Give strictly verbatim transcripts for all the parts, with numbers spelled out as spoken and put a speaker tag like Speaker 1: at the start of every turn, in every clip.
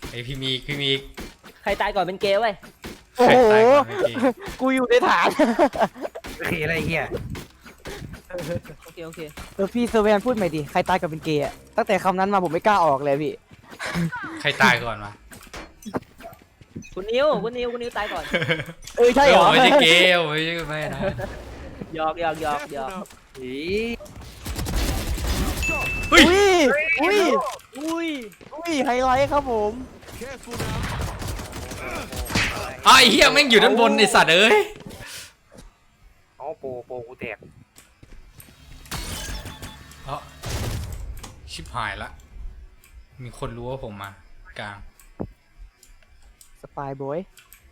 Speaker 1: ไอพี่มีพี่มี
Speaker 2: ใครตายก่อนเป็นเกย์เว้ย
Speaker 3: โอ้โห
Speaker 1: ใครตายก่อนเป็นเกย์
Speaker 3: กูอยู่ในฐาน
Speaker 4: โอเคอะไรเงี้ย
Speaker 2: โอเคโอเค
Speaker 3: เออพี่เซเวนพูดใหม่ดิใครตายกับเป็นเกย์อะตั้งแต่คำนั้นมาผมไม่กล้าออกเลยพี่
Speaker 1: ใครตายก่อนวะ
Speaker 2: คุณนิวคุณนิวคุณนิวตายก่อน
Speaker 3: เออใช่เหรอ
Speaker 1: ไม่ใช่เกย์ไม่ใช่ไม่นะ
Speaker 2: หยอกหยอกหยอกหยอก
Speaker 4: อี
Speaker 1: เฮ้ย
Speaker 3: อุ้ยอุ้ย
Speaker 2: อุ้ย
Speaker 3: อุ้ยไฮไลท์ครับผม
Speaker 1: อ้าวไอ้เหี้ยแม่งอยู่ด้านบนไอสัตว์เอ้ย
Speaker 4: อ๋อโปโปกูแตก
Speaker 1: เอ้าชิบหายละมีคนรู้ว่าผมมากลาง
Speaker 3: สปายบอย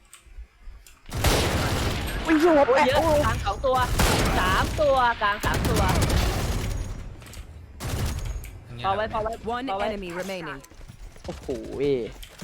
Speaker 3: อุ้ยโยบ
Speaker 2: โอ้ย
Speaker 3: แปะ
Speaker 2: เยอะ
Speaker 3: โอ้ย
Speaker 2: กลางสองตัวสามตัวกลางสามตัว
Speaker 1: อย่างเงี้ย
Speaker 2: พอไว้พอไว้
Speaker 5: One
Speaker 2: พอไว้
Speaker 5: enemy remaining.
Speaker 3: โอ้โหเว้ย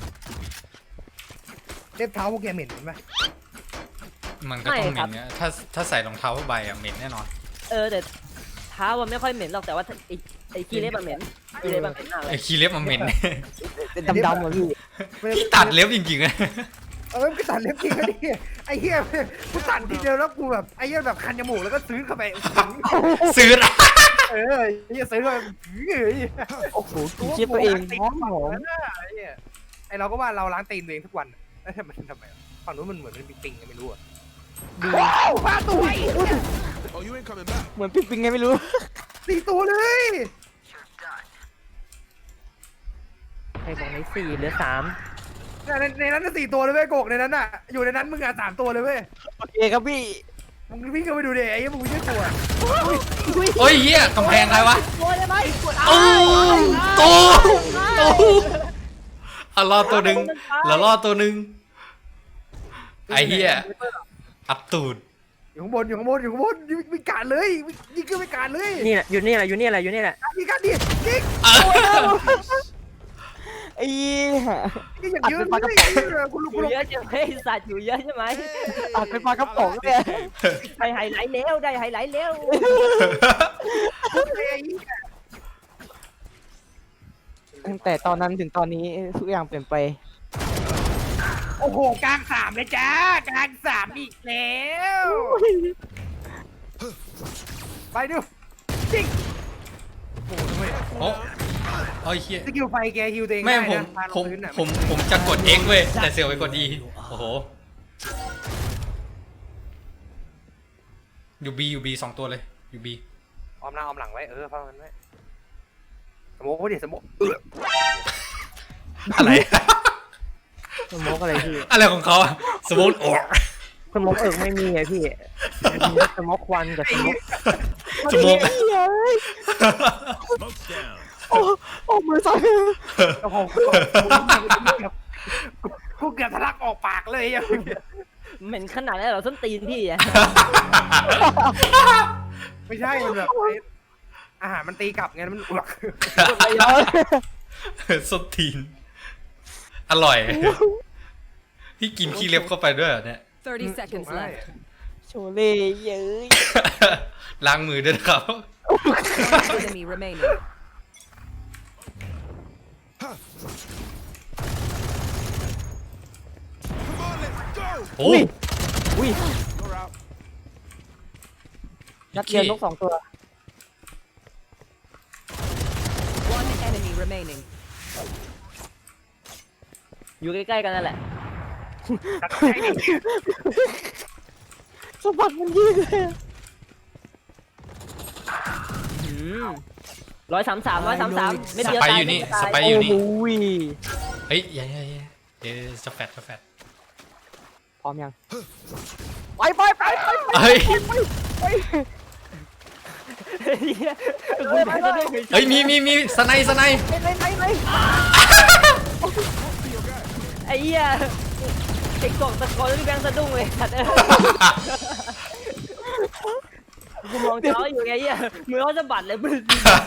Speaker 4: เล็บเท้าพวกแกเหม็นไหม
Speaker 1: มันก็ต้องเหม็นเนี่ยถ้าถ้าใส่รองเท้าผ้าใบอะเหม็นแน่นอน
Speaker 2: เออแต่เท้ามันไม่ค่อยเหม็นหรอกแต่ว่าไอ้ไอ้ขี้เล็บมันเหม็นขี้เล็บมันเหม็นมากเล
Speaker 1: ไอ้
Speaker 2: ย
Speaker 1: ขี้เล็บมันเหม็น
Speaker 3: เป็นดำๆเหรอพี่
Speaker 1: พี่ตัดเล็บจริงๆอะ
Speaker 4: เออกูตัดเล็บจริงนะดิไอ้เหี้ยกูตัดทีเดียวแล้วกูแบบไอ้เหี้ยแบบคันจมูกแล้วก็ซื้อเข้าไป
Speaker 1: ซื้อละ
Speaker 4: เออไอ้เหี้ยซื้อเข้าไปเฮ้ย
Speaker 3: โอ้โหกินเชียตัวเองหอมหอม
Speaker 4: ไอ้เหี้ยไอ้เราก็ว่าเราล้างตีนตัวเองทุกวันแล้วทำไมทำไมฝั่งนู้นมันเหมือนมันมีปิงก็ไม่รู้อ่ะดูพลาดตัว
Speaker 6: Oh, you ain't coming back.
Speaker 3: เหมือนปิ๊งปิ๊งไงไม่รู้
Speaker 4: สี่ตัวเลย
Speaker 2: ใครบอกในสี่เหลือสาม
Speaker 4: ในในนั้นน่ะสี่ตัวเลยเว้ยโกกในนั้นอ่ะอยู่ในนั้นมึงอ่ะสามตัวเลยเว้ย
Speaker 3: โอเคครับพี่
Speaker 4: มึงวิ่งเข้าไปดูดิไอ้เหี้ยมึงไม่ใช่ตัว
Speaker 1: โอ้ยเหี้ยกำแพงใครวะ
Speaker 2: ตัวได้ไหม
Speaker 1: โอ้ตูตูอ่ะรอดตัวหนึ่งแล้วรอดตัวหนึ่งไอ้เหี้ยอับตูด
Speaker 4: อยู่ข้างบนอยู่ข้างบนอยู่ข้างบนวิ่งการเลยยิงขึ้นไปการเลย
Speaker 2: นี่แหละอยู่นี่แหละอยู่นี่แหละอยู่นี่แหละ
Speaker 4: ยิงการดิยิง
Speaker 3: ไอ้เหี้ย
Speaker 4: ยิงอย่างเยอะเลยคุณลูก
Speaker 2: อ
Speaker 4: คุณ
Speaker 2: ยู่
Speaker 4: ลูก
Speaker 2: เยอะใช่ไหมสัตว์อยู่เยอะใช่ไหม
Speaker 3: ตัดเป็นปลากระป๋องเลย
Speaker 2: ได้ไฮไลท์แล้วได้ไฮไลท์แล้ว
Speaker 3: ตั้งแต่ตอนนั้นถึงตอนนี้ทุกอย่างเปลี่ยนไป
Speaker 4: โอ้โหกลางสามเลยจ้ากลางสามอีกแล้วไปดูจริงโอ้โหทำไม
Speaker 1: โอ้โอ้ยเหี้ย
Speaker 4: สกิลไฟแกฮิวตัวเอง
Speaker 1: แม่ผม
Speaker 4: ได้นะพาล
Speaker 1: ผ
Speaker 4: ง
Speaker 1: ม
Speaker 4: พื้นน่ะ
Speaker 1: ผมผมจะกด X เว้ยแต่เสียวไปกด E โอ้โหอยู่ B อยู่ B สองตัวเลยอยู่ B
Speaker 4: ออมหน้าออมหลังไว้เออฟังมันไว้สมมติว่าดิสมมติเออ
Speaker 1: อะไร
Speaker 3: สมองอะไรพี่
Speaker 1: อะไรของเขาอะสมมติโอ้
Speaker 3: สมองเอิกไม่มีไงพี่มีสมองควันกับสมอง
Speaker 1: สมมติ
Speaker 6: Smoke's down.
Speaker 3: โอ้โอ้มือสั่น
Speaker 4: โอ้โหกูเกือบทะลักออกปากเลยอ่ะ
Speaker 2: เหม็นขนาดนั้นเหรอส้นตีนพี่อะ
Speaker 4: ไม่ใช่มันแบบอาหารมันตีกลับไงมันอ้วก
Speaker 1: ส้นตีนอร่อย พี่กินขี้เล็บเข้าไปด้วยเหรอเนี่ย
Speaker 5: Thirty seconds left.
Speaker 3: โชเล่เย้ย
Speaker 1: ล้างมือด้วยนะครับ
Speaker 5: One enemy remaining.
Speaker 6: Come on, let's go.
Speaker 1: โอ้
Speaker 3: อุ้ย
Speaker 6: You're out.
Speaker 3: นัดเดียวนกสองตัว
Speaker 5: One enemy remaining.
Speaker 2: อยู่ใกล้ๆกันนั่นแหละ
Speaker 3: สะบัดมันยืดเลย
Speaker 2: ร้อยสามสามร้อยสามสามไม่
Speaker 1: ส
Speaker 2: เดียว
Speaker 1: ไป
Speaker 2: ตาย
Speaker 1: อยู่นี่
Speaker 2: ไม่ตา
Speaker 1: ส
Speaker 2: ย
Speaker 1: ไปอยู่นี่
Speaker 3: โอ้ย
Speaker 1: เฮ้ยอย่าอย่าอย่าเดี๋ยวจะแฟดจะแฟด
Speaker 3: พร้อมยังไปไปไปไปไป
Speaker 1: เฮ้ย
Speaker 3: ไป
Speaker 1: เฮ้ยมีมีมีสไนสไน
Speaker 3: ไปไปไป
Speaker 2: ไอ้เหี้ยไอ้กล่องตะโกนที่แบงค์สะดุ้งเลยสัตว์เอ้ยกูมองจออยู่ไงเหี้ยมือเขาสะบัดเลยมึง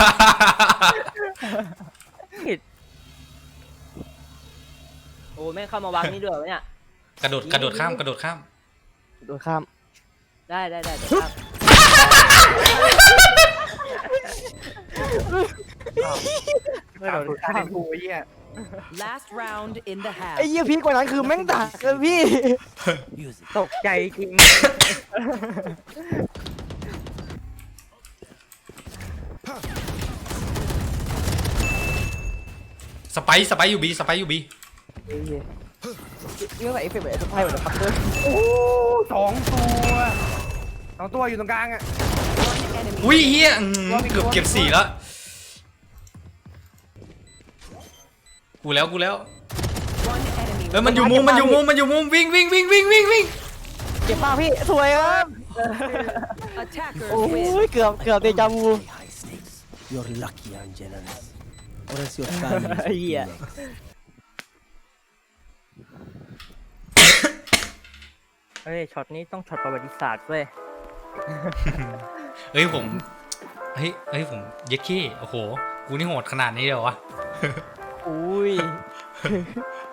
Speaker 2: โอ้แม่งเข้ามาวางนี่ด้วยวะเนี่ย
Speaker 1: กระโดดกระโดดข้ามกระโดดข้าม
Speaker 3: โดนข้าม
Speaker 2: ได้ได้ได้เดี๋ยวครับ
Speaker 4: ไม่โดนฆ่ากูไอ้เหี้ย
Speaker 5: Last round in the
Speaker 3: ไอ้
Speaker 5: half.
Speaker 3: เหี้ยพีคกว่านั้นคือแม่งดักเลยพี่
Speaker 2: ตกใจจริง
Speaker 1: สไปซ์สไปซ์อยู่บีสไปซ์อยู่บี
Speaker 3: เฮ้ยเรื่องอะไรเอฟเฟกต์แบบเอฟไพ่แบบปักเกอร์
Speaker 4: โอ้สองตัวสองตัวอยู่ตรงกลางอ่ะ
Speaker 5: One enemy.
Speaker 1: อุ้ยเฮียอืมเกือบเก็บสี่แล้วกูแล้วกูแล้ว
Speaker 5: One enemy.
Speaker 1: เอ้ยมันอยู่มุมมันอยู่มุมมันอยู่มุมวิ่งวิ่งวิ่งวิ่งวิ่งวิ่ง
Speaker 3: เก็บป้าพี่สวยครับ
Speaker 5: Attackers
Speaker 3: โอ้
Speaker 5: win.
Speaker 3: ยเกือบเกือบเดจาวู
Speaker 7: high stakes. You're lucky, Angelus. Or else your family will be
Speaker 3: Yeah.
Speaker 7: next.
Speaker 2: เฮ้ยช็อตนี้ต้องช็อตประวัติศาสตร์เว้ย
Speaker 1: เฮ้ยผมเฮ้ยเฮ้ยผมเย็ดขี้โอ้โหกูนี่โหดขนาดนี้เลยวะ
Speaker 3: อุ้ย